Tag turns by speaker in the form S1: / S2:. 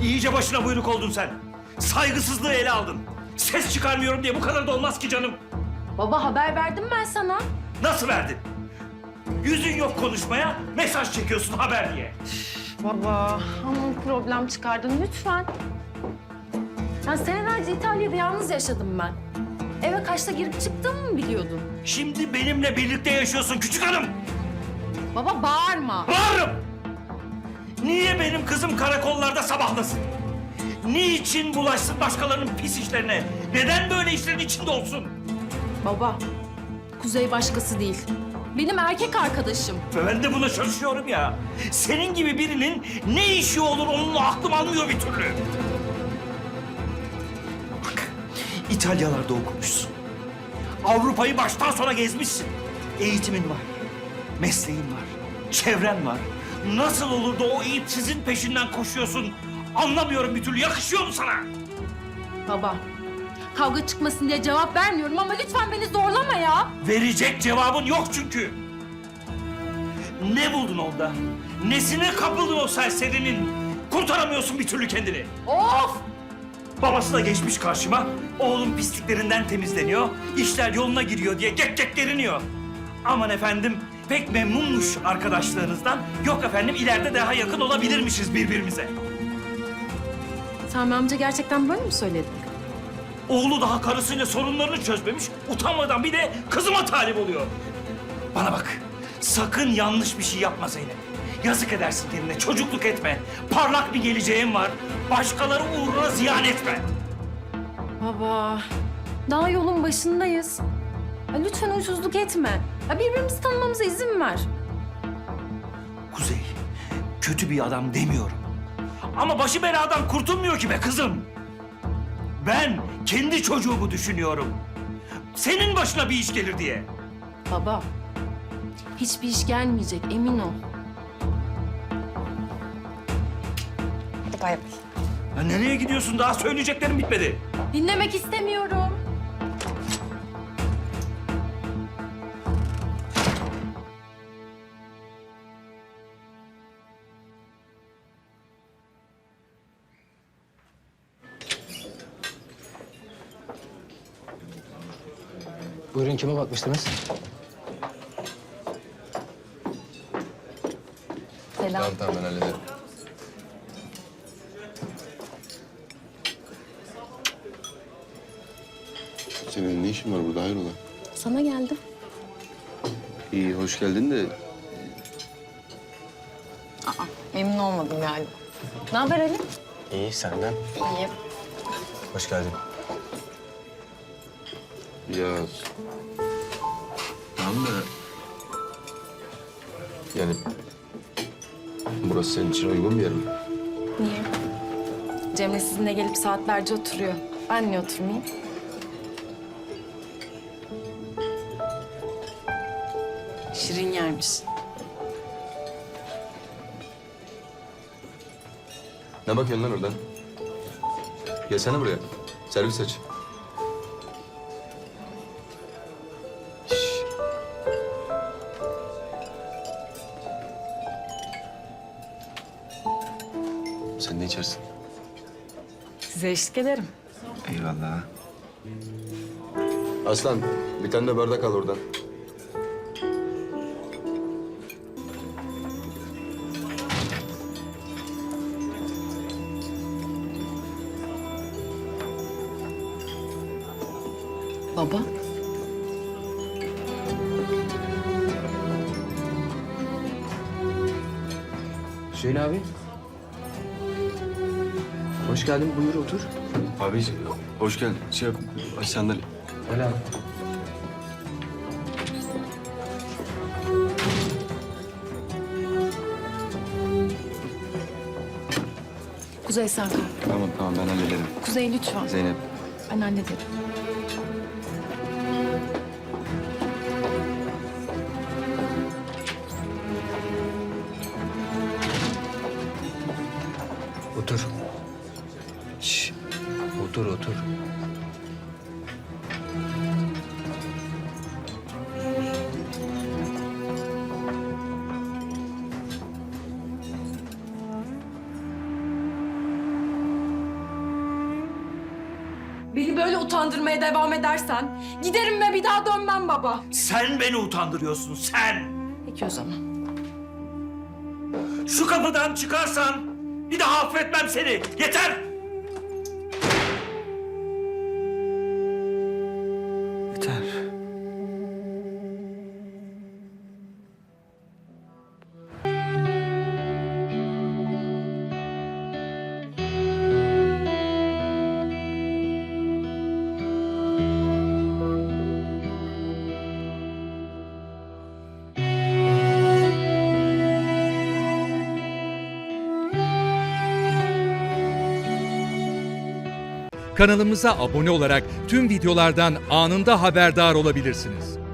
S1: İyice başına buyruk oldun sen. Saygısızlığı ele aldın. Ses çıkarmıyorum diye bu kadar da olmaz ki canım.
S2: Baba haber verdim ben sana.
S1: Nasıl verdin? Yüzün yok konuşmaya, mesaj çekiyorsun haber diye.
S2: Baba ama problem çıkardın lütfen. Ya senelerce İtalya'da yalnız yaşadım ben. Eve kaçta girip çıktığımı mı biliyordun?
S1: Şimdi benimle birlikte yaşıyorsun küçük hanım.
S2: Baba bağırma.
S1: Bağırırım. Niye benim kızım karakollarda sabahlasın? Niçin bulaşsın başkalarının pis işlerine? Neden böyle işlerin içinde olsun?
S2: Baba, Kuzey başkası değil. Benim erkek arkadaşım.
S1: Ve ben de buna şaşıyorum ya. Senin gibi birinin ne işi olur onunla aklım almıyor bir türlü. Bak, İtalyalarda okumuşsun. Avrupa'yı baştan sona gezmişsin. Eğitimin var, mesleğin var, çevren var. Nasıl olur da o iyipsizin peşinden koşuyorsun? Anlamıyorum bir türlü. Yakışıyor mu sana?
S2: Baba, kavga çıkmasın diye cevap vermiyorum ama lütfen beni zorlama ya.
S1: Verecek cevabın yok çünkü. Ne buldun onda? Nesine kapıldın o serserinin? Kurtaramıyorsun bir türlü kendini.
S2: Of!
S1: Babası da geçmiş karşıma. Oğlum pisliklerinden temizleniyor, işler yoluna giriyor diye gek gek geriniyor. Aman efendim, pek memnunmuş arkadaşlarınızdan. Yok efendim, ileride daha yakın olabilirmişiz birbirimize.
S2: Sami amca gerçekten böyle mi söyledi?
S1: Oğlu daha karısıyla sorunlarını çözmemiş, utanmadan bir de kızıma talip oluyor. Bana bak, sakın yanlış bir şey yapma Zeynep. Yazık edersin kendine, çocukluk etme. Parlak bir geleceğin var, başkaları uğruna ziyan etme.
S2: Baba, daha yolun başındayız. Ya lütfen huysuzluk etme. Ya birbirimizi tanımamıza izin ver.
S1: Kuzey, kötü bir adam demiyorum. Ama başı beladan kurtulmuyor ki be kızım. Ben kendi çocuğumu düşünüyorum. Senin başına bir iş gelir diye.
S2: Baba, hiçbir iş gelmeyecek emin ol.
S3: Hadi bay bay.
S1: Ya nereye gidiyorsun? Daha söyleyeceklerim bitmedi.
S2: Dinlemek istemiyorum.
S4: Buyurun, kime bakmıştınız?
S2: Selam.
S5: Tamam ben hallederim.
S6: Senin ne işin var burada hayrola?
S2: Sana geldim.
S6: İyi hoş geldin de
S3: Memnun olmadım galiba.
S2: Ne haber Ali?
S4: İyi, senden.
S3: İyi.
S4: Hoş geldin.
S6: ya
S5: Tamam da... Yani... Burası senin için uygun bir yer mi?
S2: Niye? Cemre sizinle gelip saatlerce oturuyor. Ben niye oturmayayım? Şirin yermiş.
S5: Ne bakıyorsun lan oradan? Gelsene buraya. Servis aç. Şş. Sen ne içersin?
S2: Size eşlik ederim.
S5: Eyvallah. Aslan, bir tane de bardak al oradan.
S2: Baba.
S4: Hüseyin abi. Hoş geldin, buyur otur.
S6: abi hoş geldin. Şey yap, aç sandalye.
S4: Öyle abi.
S2: Kuzey sen kal.
S6: Tamam ben hallederim.
S2: Kuzey lütfen.
S6: Zeynep.
S2: Ben hallederim.
S4: Otur. Şş, otur, otur.
S2: Beni böyle utandırmaya devam edersen giderim ve bir daha dönmem baba.
S1: Sen beni utandırıyorsun, sen.
S2: Peki o zaman.
S1: Şu kapıdan çıkarsan bir daha affetmem seni. Yeter!
S6: Yeter.
S7: Kanalımıza abone olarak tüm videolardan anında haberdar olabilirsiniz.